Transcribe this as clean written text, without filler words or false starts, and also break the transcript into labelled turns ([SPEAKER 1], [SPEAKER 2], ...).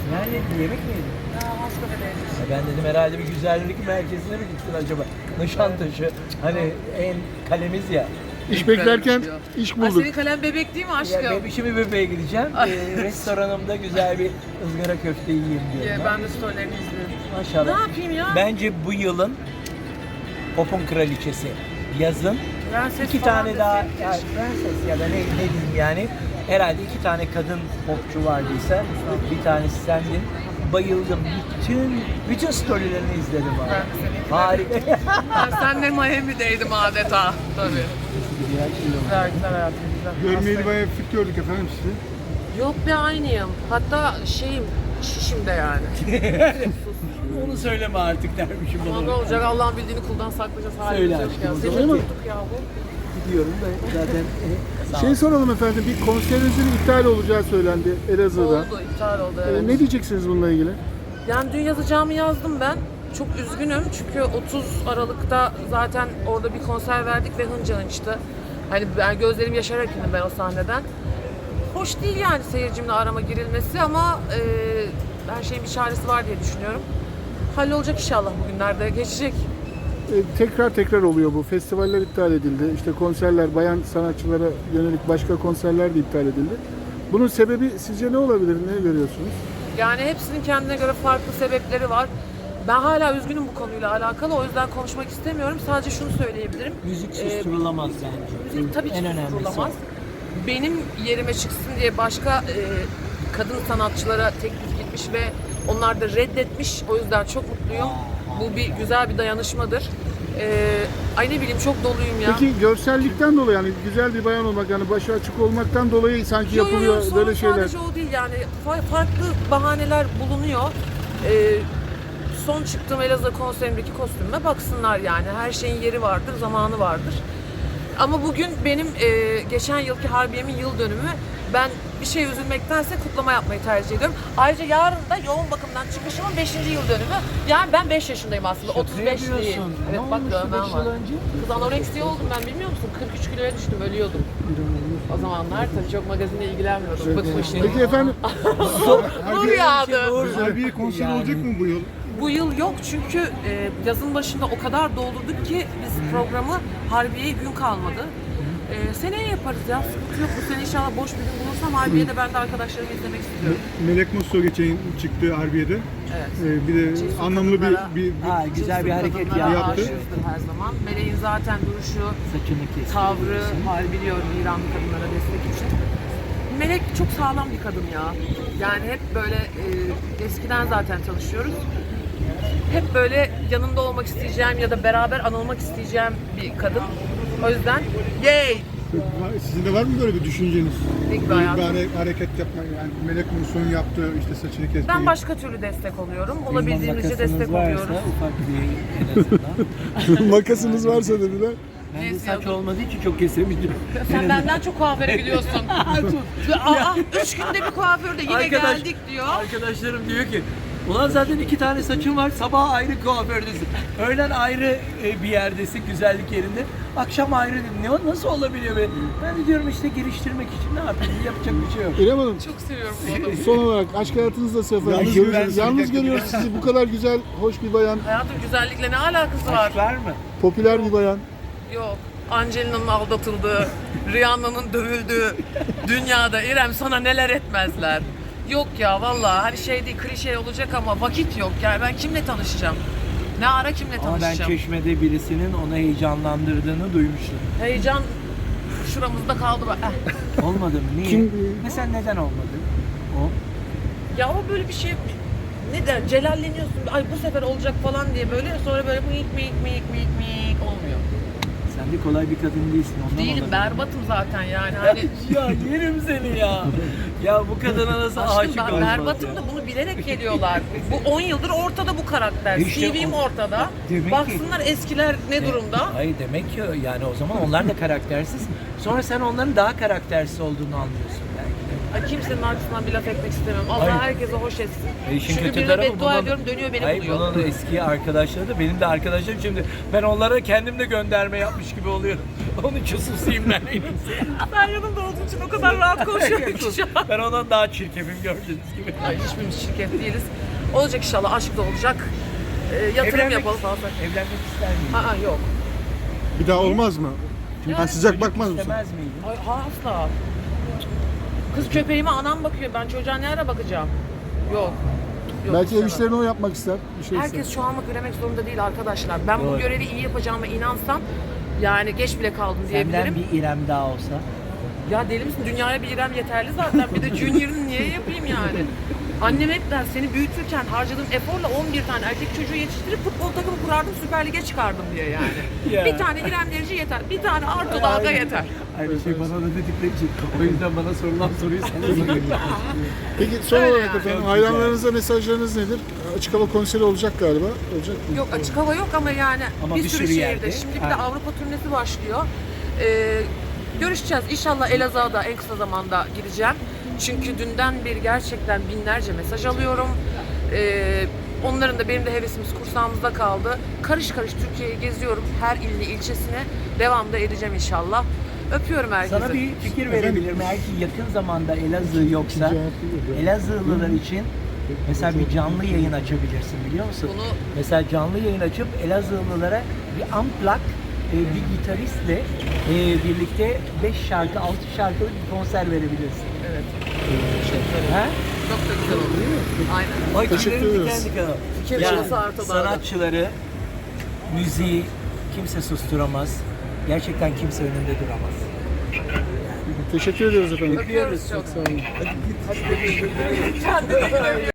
[SPEAKER 1] Yani yemek mi yedin?
[SPEAKER 2] Başka bir de.
[SPEAKER 1] Ben dedim herhalde bir güzellik merkezine mi gittin acaba? Nişantaşı. Hani en kalemiz ya.
[SPEAKER 3] İş beklerken iş
[SPEAKER 2] Ay,
[SPEAKER 3] bulduk.
[SPEAKER 2] senin kalem bebek değil mi
[SPEAKER 1] Ya
[SPEAKER 2] aşkım?
[SPEAKER 1] şimdi bebeğe gideceğim. Restoranımda güzel bir ızgara köfte yiyeyim diyorum.
[SPEAKER 2] Ben de storylerini izliyorum.
[SPEAKER 1] Maşallah.
[SPEAKER 2] Ne yapayım ya?
[SPEAKER 1] Bence bu yılın pop'un kraliçesi. Yazın
[SPEAKER 2] Prenses
[SPEAKER 1] iki
[SPEAKER 2] falan
[SPEAKER 1] tane daha,
[SPEAKER 2] deseydik
[SPEAKER 1] yani
[SPEAKER 2] keşke.
[SPEAKER 1] prenses ya da ne diyeyim yani. Herhalde 2 tane kadın popçu vardıysa bir tanesi sendin. Bayıldım. Bütün storylerini izledim abi.
[SPEAKER 2] Ben de senin.
[SPEAKER 1] Harika.
[SPEAKER 2] Ben senle Miami'deydim adeta. Tabii.
[SPEAKER 1] Güzel şey oldu.
[SPEAKER 2] Güzel güzel hayatım güzel.
[SPEAKER 3] Görmeyeli bayağı fit gördük efendim sizi.
[SPEAKER 2] Yok be aynıyım. Hatta şişim de yani.
[SPEAKER 1] Onu söyleme artık dermişim
[SPEAKER 2] Ama ne
[SPEAKER 1] bana.
[SPEAKER 2] olacak Allah'ın bildiğini kuldan saklayacağız.
[SPEAKER 1] Söyle
[SPEAKER 2] Halimiz yok
[SPEAKER 1] aşkım,
[SPEAKER 2] ya.
[SPEAKER 1] o
[SPEAKER 2] Seni
[SPEAKER 1] zaman.
[SPEAKER 2] tuttuk ya bu.
[SPEAKER 1] Gidiyorum da zaten sağ ol.
[SPEAKER 3] Şey soralım efendim, bir konserinizin iptal olacağı söylendi Elazığ'da.
[SPEAKER 2] Oldu, iptal oldu evet.
[SPEAKER 3] Ne diyeceksiniz bununla ilgili?
[SPEAKER 2] Yani dün yazacağımı yazdım ben. Çok üzgünüm çünkü 30 Aralık'ta zaten orada bir konser verdik ve hınca hınçtı. Hani ben gözlerim yaşararak indim ben o sahneden. Hoş değil yani seyircimle arama girilmesi ama her şeyin bir çaresi var diye düşünüyorum. Hallolacak inşallah bugünlerde geçecek.
[SPEAKER 3] Tekrar oluyor bu. Festivaller iptal edildi. İşte konserler, bayan sanatçılara yönelik başka konserler de iptal edildi. Bunun sebebi sizce ne olabilir? Ne görüyorsunuz?
[SPEAKER 2] Yani hepsinin kendine göre farklı sebepleri var. Ben hala üzgünüm bu konuyla alakalı o yüzden konuşmak istemiyorum. Sadece şunu söyleyebilirim.
[SPEAKER 1] Müzik susturulamaz bence.
[SPEAKER 2] Müzik tabii ki
[SPEAKER 1] En önemlisi.
[SPEAKER 2] susturulamaz. Benim yerime çıksın diye başka kadın sanatçılara teklif gitmiş ve onlar da reddetmiş. O yüzden çok mutluyum. Bu bir güzel bir dayanışmadır. Ay ne bileyim çok doluyum ya.
[SPEAKER 3] Peki görsellikten dolayı, yani güzel bir bayan olmak, yani başı açık olmaktan dolayı sanki yapılıyor
[SPEAKER 2] Sorun
[SPEAKER 3] böyle şeyler.
[SPEAKER 2] sadece o değil yani farklı bahaneler bulunuyor. Son çıktığım Elazığ konserimdeki kostümüme baksınlar yani her şeyin yeri vardır, zamanı vardır. Ama bugün benim geçen yılki Harbiye'min yıl dönümü. Ben bir şey üzülmektense kutlama yapmayı tercih ediyorum. Ayrıca yarın da yoğun bakımdan çıkışımın 5. yıl dönümü. Yani ben 5 yaşındayım aslında, 35 değil.
[SPEAKER 1] Yapıyorsun.
[SPEAKER 2] Evet
[SPEAKER 1] Ne
[SPEAKER 2] bak
[SPEAKER 1] olmuştu
[SPEAKER 2] dövmem
[SPEAKER 1] 5
[SPEAKER 2] var.
[SPEAKER 1] yıl önce?
[SPEAKER 2] Kız anoreksiye oldum ben bilmiyor musun? 43 kiloya düştüm, ölüyordum. O zamanlar tabii çok magazinle ilgilenmiyordum. Bıkmıştım.
[SPEAKER 3] Peki efendim,
[SPEAKER 2] Nur yağdı.
[SPEAKER 3] Harbiye konseri olacak mı bu yıl?
[SPEAKER 2] Bu yıl yok çünkü yazın başında o kadar doldurduk ki biz programı Harbiye'ye gün kalmadı. Seneye yaparız ya, sıkıntı yok. Bu sene inşallah boş bir gün bulursam Harbiye'de ben de arkadaşlarımı izlemek istiyorum.
[SPEAKER 4] Melek Mosso geçen çıktı Harbiye'de.
[SPEAKER 2] Evet.
[SPEAKER 4] Bir de
[SPEAKER 2] Cesur
[SPEAKER 4] anlamlı
[SPEAKER 2] kadınlara-
[SPEAKER 4] bir
[SPEAKER 1] Ha, güzel bir hareket
[SPEAKER 2] Kadınlara
[SPEAKER 4] yaptı.
[SPEAKER 2] aşığızdır her zaman. Meleğin zaten duruşu,
[SPEAKER 1] Saçını kes.
[SPEAKER 2] tavrı, hal biliyorum İranlı kadınlara destek için. Melek çok sağlam bir kadın ya. Yani hep böyle eskiden zaten çalışıyoruz. Hep böyle yanında olmak isteyeceğim ya da beraber anılmak isteyeceğim bir kadın. O yüzden yay!
[SPEAKER 4] Sizin de var mı böyle bir düşünceniz?
[SPEAKER 2] Ne gibi
[SPEAKER 4] Böyle
[SPEAKER 2] hayatım?
[SPEAKER 4] bir hareket yapma, yani Melek Mosso'nun yaptığı işte saçını kesmeyi.
[SPEAKER 2] Ben başka türlü destek oluyorum. Olabildiğimizce
[SPEAKER 1] Makasınız
[SPEAKER 2] destek
[SPEAKER 1] varsa
[SPEAKER 2] oluyoruz.
[SPEAKER 1] ufak bir en azından.
[SPEAKER 3] Makasınız varsa dediler.
[SPEAKER 1] Bende
[SPEAKER 2] Neyse
[SPEAKER 1] saç
[SPEAKER 2] ya.
[SPEAKER 1] olmadığı için çok kesemedim.
[SPEAKER 2] Sen benden çok kuaföre gidiyorsun. Aa, 3 günde bir kuaförde yine geldik diyor.
[SPEAKER 1] Arkadaşlarım diyor ki ulan zaten 2 tane saçın var, sabah ayrı kuafördesin. Öğlen ayrı bir yerdesin, güzellik yerinde. Akşam ayrı. Ne, nasıl olabiliyor be? Ben de diyorum işte geliştirmek için ne yapayım, yapacak bir şey yok.
[SPEAKER 3] İrem Hanım,
[SPEAKER 2] Çok seviyorum bu adamı.
[SPEAKER 3] son olarak aşk hayatınız nasıl efendim?
[SPEAKER 4] Yalnız
[SPEAKER 3] Görüyoruz-
[SPEAKER 4] ben
[SPEAKER 3] Yalnız
[SPEAKER 4] söyleyecektim.
[SPEAKER 3] görüyoruz sizi, bu kadar güzel, hoş bir bayan,
[SPEAKER 2] Hayatım güzellikle ne alakası var?
[SPEAKER 1] Aşk var mı?
[SPEAKER 3] popüler bir bayan.
[SPEAKER 2] Yok. Angelina'nın aldatıldığı, Rihanna'nın dövüldüğü dünyada İrem sana neler etmezler. Yok ya vallahi hani şey değil, klişe olacak ama vakit yok. Yani ben kimle tanışacağım? Ne ara kimle
[SPEAKER 1] Ama ben
[SPEAKER 2] tanışacağım?
[SPEAKER 1] Çeşme'de birisinin onu heyecanlandırdığını duymuştum.
[SPEAKER 2] Heyecan şuramızda kaldı.
[SPEAKER 1] Olmadı mı? Niye?
[SPEAKER 3] Kim-
[SPEAKER 1] Mesela neden olmadı? O.
[SPEAKER 2] Ya o böyle bir şey ne der celalleniyorsun. Ay bu sefer olacak falan diye böyle sonra böyle miyik olmuyor.
[SPEAKER 1] Sen de kolay bir kadın değilsin. Ondan
[SPEAKER 2] Değilim
[SPEAKER 1] olabilir.
[SPEAKER 2] berbatım zaten yani hani
[SPEAKER 1] Ya yerim seni ya. Ya bu kadına nasıl
[SPEAKER 2] aşkım
[SPEAKER 1] aşık
[SPEAKER 2] ben
[SPEAKER 1] olmaz
[SPEAKER 2] berbatım
[SPEAKER 1] ya?
[SPEAKER 2] da bunu bilerek geliyorlar. Bu 10 yıldır ortada bu karakter.
[SPEAKER 1] İşte
[SPEAKER 2] CV'm
[SPEAKER 1] o-
[SPEAKER 2] ortada.
[SPEAKER 1] Demek ki-
[SPEAKER 2] Baksınlar eskiler ne durumda.
[SPEAKER 1] Hayır demek ki yani o zaman onlar da karaktersiz. Sonra sen onların daha karaktersiz olduğunu anlıyorsun belki de.
[SPEAKER 2] Ay, kimsenin arkasından bir laf etmek istemiyorum. Allah
[SPEAKER 1] Hayır.
[SPEAKER 2] herkese hoş etsin.
[SPEAKER 1] İşin
[SPEAKER 2] Çünkü
[SPEAKER 1] kötü
[SPEAKER 2] birine
[SPEAKER 1] tarafı
[SPEAKER 2] beddua
[SPEAKER 1] bunun-
[SPEAKER 2] ediyorum, dönüyor beni
[SPEAKER 1] Hayır,
[SPEAKER 2] buluyor.
[SPEAKER 1] bunun da eski arkadaşları da benim de arkadaşlarım, şimdi ben onlara kendim de gönderme yapmış gibi oluyorum. Onun için susayım ben en iyisi.
[SPEAKER 2] Sen yanımda olduğun için o kadar rahat konuşuyorum ki şu an.
[SPEAKER 1] Ben ondan daha çirkefim gördüğünüz gibi.
[SPEAKER 2] Ay, hiçbirimiz şirket değiliz. Olacak inşallah, aşk da olacak. Yatırım yapalım falan.
[SPEAKER 1] Evlenmek ister miyim?
[SPEAKER 2] Aa, yok.
[SPEAKER 4] Bir daha olmaz mı?
[SPEAKER 2] Yani
[SPEAKER 4] Sıcak bakmaz mısın?
[SPEAKER 1] İstemez miydim?
[SPEAKER 2] Ay, asla. Kız köpeğime anam bakıyor. Ben çocuğa ne ara bakacağım? Yok. Yok,
[SPEAKER 3] Belki ev
[SPEAKER 2] istemem.
[SPEAKER 3] işlerini o yapmak ister. Bir şey ister.
[SPEAKER 2] Herkes şu anlık üremek zorunda değil arkadaşlar. Ben bu
[SPEAKER 1] Doğru.
[SPEAKER 2] görevi iyi yapacağıma inansam, yani geç bile kaldım
[SPEAKER 1] Senden
[SPEAKER 2] diyebilirim.
[SPEAKER 1] bir İrem daha olsa.
[SPEAKER 2] Ya deli misin? Dünyaya bir İrem yeterli zaten. Bir de Junior'ını niye yapayım yani? Annem hep der, seni büyütürken harcadığım eforla 11 tane erkek çocuğu yetiştirip futbol takımı kurardım, Süper Lig'e çıkardım diye yani.
[SPEAKER 1] Ya.
[SPEAKER 2] Bir tane İrem Derici yeter, bir tane Arto Dalga yeter.
[SPEAKER 1] Aynı şey bana da dedikleri için. O yüzden bana sorulan soruyu sana soruyorum.
[SPEAKER 3] Peki son
[SPEAKER 2] Öyle
[SPEAKER 3] olarak
[SPEAKER 2] yani.
[SPEAKER 3] efendim
[SPEAKER 1] Çok
[SPEAKER 3] hayranlarınıza mesajlarınız nedir? Açık hava konseri olacak galiba. Olacak mı?
[SPEAKER 2] Yok, açık hava yok ama yani
[SPEAKER 1] Ama
[SPEAKER 2] bir
[SPEAKER 1] bir
[SPEAKER 2] sürü
[SPEAKER 1] sürü
[SPEAKER 2] şehirde.
[SPEAKER 1] yerde.
[SPEAKER 2] Şimdi bir de
[SPEAKER 1] Aynen.
[SPEAKER 2] Avrupa turnesi başlıyor. Görüşeceğiz. İnşallah Elazığ'a da en kısa zamanda gideceğim. Çünkü dünden beri gerçekten binlerce mesaj alıyorum. Onların da benim de hevesimiz kursağımızda kaldı. Karış karış Türkiye'yi geziyorum. Her ilini, ilçesine devam da edeceğim inşallah. Öpüyorum herkese.
[SPEAKER 1] Sana bir fikir verebilirim. Eğer ki yakın zamanda Elazığ yoksa, Elazığlılar için mesela bir canlı yayın açabilirsin, biliyor musun?
[SPEAKER 2] Bunu-
[SPEAKER 1] Mesela canlı yayın açıp Elazığlılara bir unplug, bir gitaristle birlikte 5 şarkı, 6 şarkılık bir konser verebilirsin.
[SPEAKER 2] Evet. Teşekkür ederim.
[SPEAKER 1] Ha?
[SPEAKER 2] Çok da güzel oldu. Aynen.
[SPEAKER 1] Ay,
[SPEAKER 3] Teşekkür
[SPEAKER 1] tüylerim
[SPEAKER 3] ederiz.
[SPEAKER 1] diken diken oldu.
[SPEAKER 2] Fikir
[SPEAKER 1] Ya,
[SPEAKER 2] şansı Arto Dağ'da.
[SPEAKER 1] sanatçıları, müziği kimse susturamaz. Gerçekten kimse önünde duramaz.
[SPEAKER 3] Teşekkür ediyoruz efendim.
[SPEAKER 2] Öpüyoruz çok.
[SPEAKER 3] Sağ olun.
[SPEAKER 2] Kendine